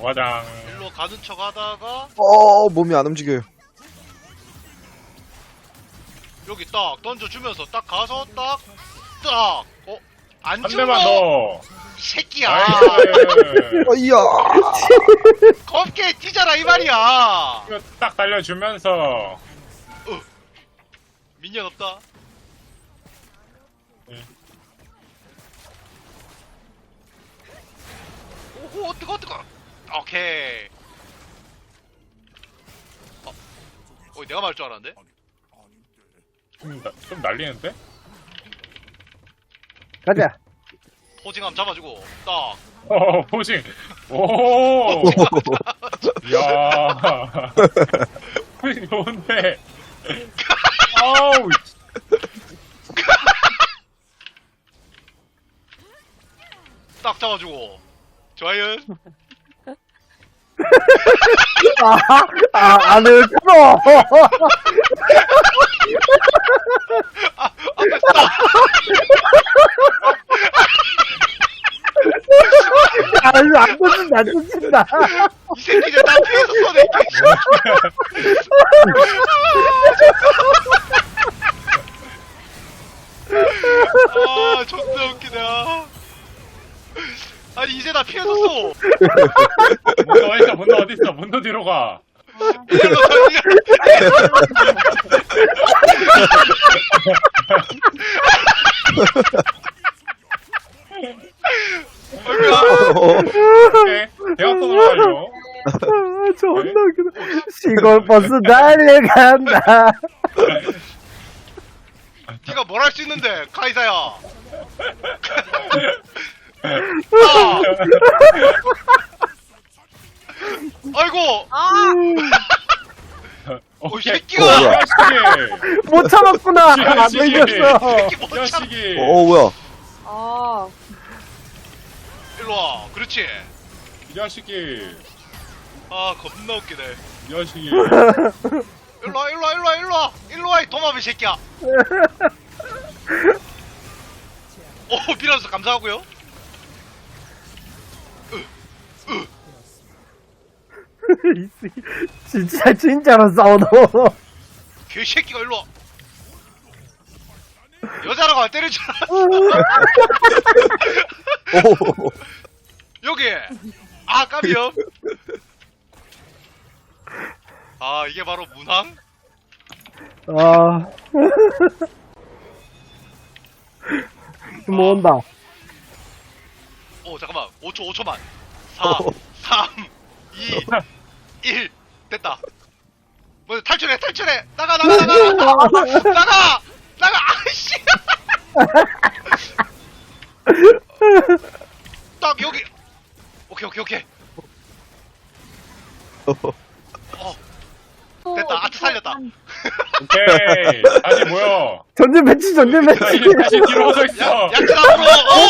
와장. 일로 가는 척 하다가 몸이 안 움직여요. 여기 딱 던져주면서 딱 가서 딱 안 한 죽어 대만 더. 이 새끼야. 나이스. 이야. 겁게 뛰잖아 이 말이야. 이거 딱 달려주면서. 민현 없다. 오호 뜨거. 오케이. 내가 말할 줄 알았는데? 좀 날리는데? 가자. 포징함 잡아주고 딱. 포징. 오. 야. 포징 좋은데. 아우. 딱 잡아주고. 좋아요. 안을 풀어. 안 던진다, 안 던진다. 이 새끼들 나 피해서 쏘네. 존나 웃기다. 아니 이제 나 피해서 쏘. 문도 어딨어? 문도 뒤로 가. 오케이. 대학 또 들어가요. 존나 웃기다. 시골 버스 달려간다. 네가 뭘 할 수 있는데 카이사야. 아이고. 이 새끼가. 야식이. 못 참았구나. 안 야식이. 걸렸어. 새끼 못 참. 야식이. 뭐야. 일로 와. 그렇지. 야식이. 겁나 웃기네. 야식이. 일로 와, 이 도마비 새끼야. 밀어서 감사하고요. 진짜로 싸우노. 개새끼가 일로 와. 여자라고 안 때릴 줄 알았어. 여기. 까비요. 이게 바로 문항? 뭐 온다. 잠깐만. 5초만. 4, 3, 2, 1. 됐다. 먼저 탈출해. 나가. 아이씨. 딱 여기. 오케이. 됐다. 아트 살렸다. 오케이. 다시 모여. 전진 배치. 다시 뒤로 서 있어. 약진 앞으로.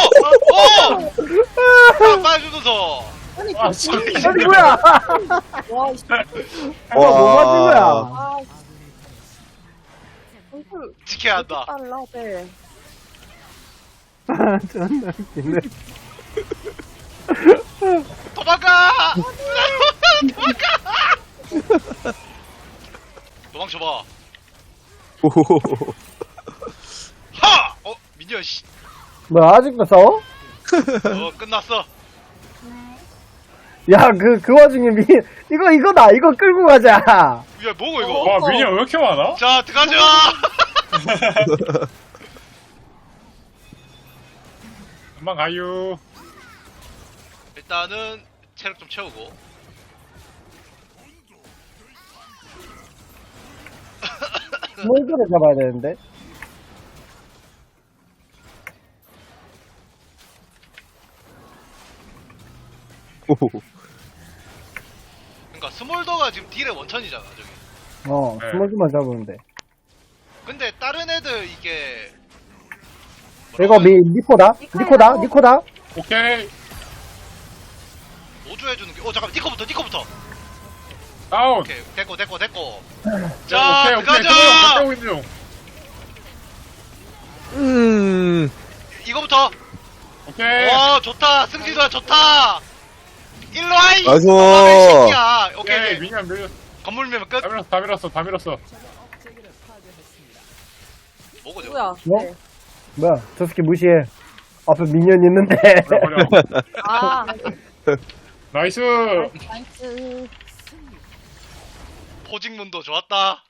딱 빠져주면서. 아니 뭐야? 뭐 맞은 거야? 지켜야 한다. 존나 웃기네. 도망가! 도망쳐봐. 하! 민현 씨. 뭐 아직도 싸워? 끝났어. 야, 그 와중에 이거다. 이거 끌고 가자. 야, 뭐고 이거? 와, 미니언 왜 이렇게 많아? 자, 들어가자! 금방 가요. 일단은 체력 좀 채우고. 몰드를 잡아야 되는데. 그러니까 스몰더가 지금 딜의 원천이잖아, 저기. 네. 스몰드만 잡으면 돼. 근데 다른 애들 이게 이거 니코다? 오케이. 오주해주는 게. 잠깐만, 니코부터. 다운. 오케이, 됐고. 오케이, 자, 들어가자! 오케이, 중. 이거부터. 오케이. 와, 좋다. 승진아, 좋다. 일로 와 이. 나이스. 새끼야. 오케이. 오케이 오케이. 미니언 밀. 건물 밀면 끝. 다 밀었어 다 밀었어. 뭐고 저거? 누구야? 뭐? 네. 뭐야, 저 새끼 무시해. 앞에 미니언 있는데. 버려. 아, 나이스. 나이스. 포직문도 좋았다.